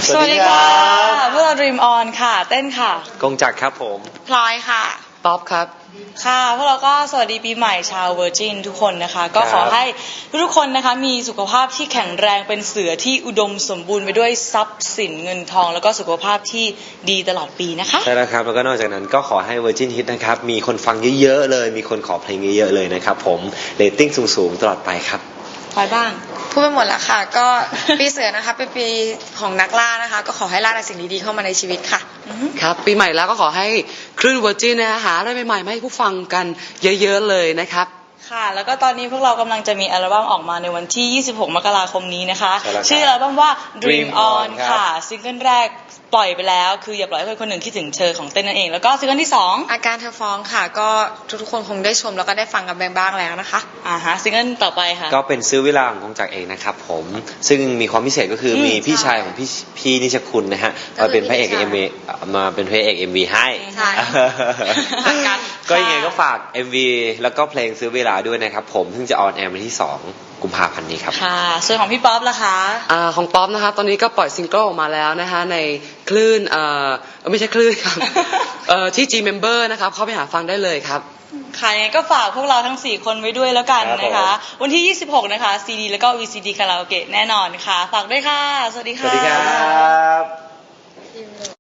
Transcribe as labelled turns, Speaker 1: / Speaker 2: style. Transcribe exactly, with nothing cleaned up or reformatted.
Speaker 1: สวัสดีค่ะพวกเรา Dream On ค่ะเต้นค่ะ
Speaker 2: กงจักรครับผม
Speaker 1: พลอยค่ะ
Speaker 3: ป๊อปครับ
Speaker 1: ค่ะพวกเราก็สวัสดีปีใหม่ชาวเวอร์จินทุกคนนะคะก็ขอให้ทุกคนนะคะมีสุขภาพที่แข็งแรงเป็นเสือที่อุดมสมบูรณ์ไปด้วยทรัพย์สินเงินทองแล้วก็สุขภาพที่ดีตลอดปีนะคะ
Speaker 2: ใช่แล้วครับแล้วก็นอกจากนั้นก็ขอให้ Virgin Hit นะครับมีคนฟังเยอะๆเลยมีคนขอเพลงเยอะๆเลยนะครับผมเรตติ้งสูงๆตลอดไปครับ
Speaker 1: พลอยบ้าง
Speaker 4: พูดไปหมดแล้วค่ะก็ปีเสือนะคะเป็นปีของนักล่านะคะก็ขอให้ล่าแต่สิ่งดีๆเข้ามาในชีวิตค่ะ
Speaker 3: ครับปีใหม่แล้วก็ขอให้คลื่นเวอร์จินนะหาอะไรใหม่ๆมาให้ผู้ฟังกันเยอะๆเลยนะครับ
Speaker 1: ค่ะแล้วก็ตอนนี้พวกเรากำลังจะมีอัลบั้มออกมาในวันที่ยี่สิบหกมกราคมนี้นะคะชื่ออัลบั้มว่า Dream On ค่ะซิงเกิลแรกปล่อยไปแล้วคืออย่าปล่อยให้คนคนหนึ่งคิดถึงเธอของเต้นนั่นเองแล้วก็ซิงเกิลที่สอง
Speaker 4: อาการเธอฟ้องค่ะก็ทุกๆคนคงได้ชมแล้วก็ได้ฟังกันบ้างแล้วนะคะ
Speaker 1: อ่าฮะซิงเกิลต่อไปค่ะ
Speaker 2: ก็เป็นซื้อเวลาของกงจักรเองนะครับผมซึ่งมีความพิเศษก็คือมีพี่ชายของพี่พี่นิชคุณนะฮะมาเป็นพระเอกเอ็มวีมาเป็นพระเอกเอ็มวีให้
Speaker 4: ใช่
Speaker 2: ก็ยังไงก็ฝาก เอ็ม วี แล้วก็เพลงซื้อเวลาด้วยนะครับผมซึ่งจะออนแอร์วันที่สองกุมภาพันธ์นี้ครับ
Speaker 1: ค่ะส่วนของพี่ป๊อปล่ะคะ
Speaker 3: อ่าของป๊อปนะคะตอนนี้ก็ปล่อยซิงเกิลออกมาแล้วนะคะในคลื่นเอ่อไม่ใช่คลื่นครับเอ่อที่ G Member นะครับเข้าไปหาฟังได้เลยครับ
Speaker 1: ค่ะยังไงก็ฝากพวกเราทั้งสี่คนไว้ด้วยแล้วกันนะคะวันที่ยี่สิบหกนะคะซีดีแล้วก็ วี ซี ดี คาราโอเกะแน่นอนค่ะฝากด้วยค่ะสวัสดีค่ะ
Speaker 2: สวัสดีครับ